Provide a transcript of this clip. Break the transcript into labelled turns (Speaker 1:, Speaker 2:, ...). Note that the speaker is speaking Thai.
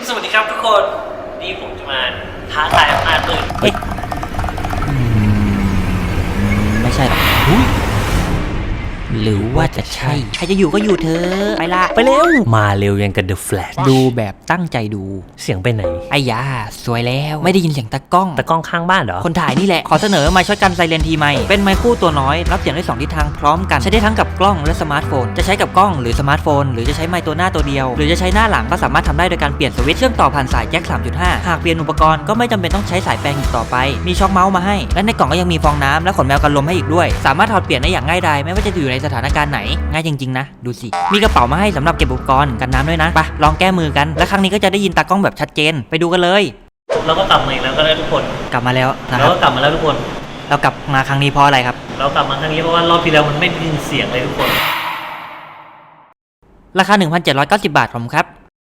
Speaker 1: สวัสดีครับทุกคนนี่ผมจะมาท้าทายอำนาจมืดเฮ้ย
Speaker 2: ไม่ใช่หรอกหรือว่าจะใช่ใครจะอยู่ก็อยู่เธอไปละไปเร็ว
Speaker 1: มาเร็วยังกับ The Flash
Speaker 2: ดูแบบตั้งใจดู
Speaker 1: เสียงไปไหน
Speaker 2: ไอ้ยาสวยแล้วไม่ได้ยินเสียงตะกล้อง
Speaker 1: ข้างบ้านเหรอ
Speaker 2: คนถ่ายนี่แหละขอเสนอไมค์ช็อตกันไซเรนทีไมค์เป็นไมค์คู่ตัวน้อยรับเสียงได้2ทิศทางพร้อมกันใช้ได้ทั้งกับกล้องและสมาร์ทโฟนจะใช้กับกล้องหรือสมาร์ทโฟนหรือจะใช้ไมค์ตัวหน้าตัวเดียวหรือจะใช้หน้าหลังก็สามารถทำได้โดยการเปลี่ยนสวิตช์เชื่อมต่อผ่านสายแจ็ค 3.5 หากเปลี่ยนอุปกรณ์ก็ไม่จำเป็นต้องใช้สายแปลงอีกต่อไปมีช็อคเมาส์มาให้และในกล่องก็ยังมีฟองน้ำและขนแมวกันลมให้อีกด้วยสามารถถอดเปลี่ยนได้อย่างง่ายดายไม่ว่าจะอยู่ในสถานการณ์ไหนง่ายจริงๆนะดูสิมีกระเป๋ามาให้สำหรับเก็บอุปกรณ์กันน้ำด้วยนะไปลองแก้มือกันและครั้งนี้ก็จะได้ยินตากล้องแบบชัดเจนไปดูกันเลย
Speaker 1: เราก็กลับมาอีกแล้วก็ได้ทุกคน
Speaker 2: กลับมาแล้วนะค
Speaker 1: เรา
Speaker 2: รับ
Speaker 1: ก็กลับมาแล้วทุกคน
Speaker 2: เรากลับมาครั้งนี้เพราะอะไรครับ
Speaker 1: เรากลับมาครั้งนี้เพราะว่ารอบที่แล้วมันไม่ได้ยินเสียงเลยทุกคน
Speaker 2: ราคา 1,790 บาทผมครับ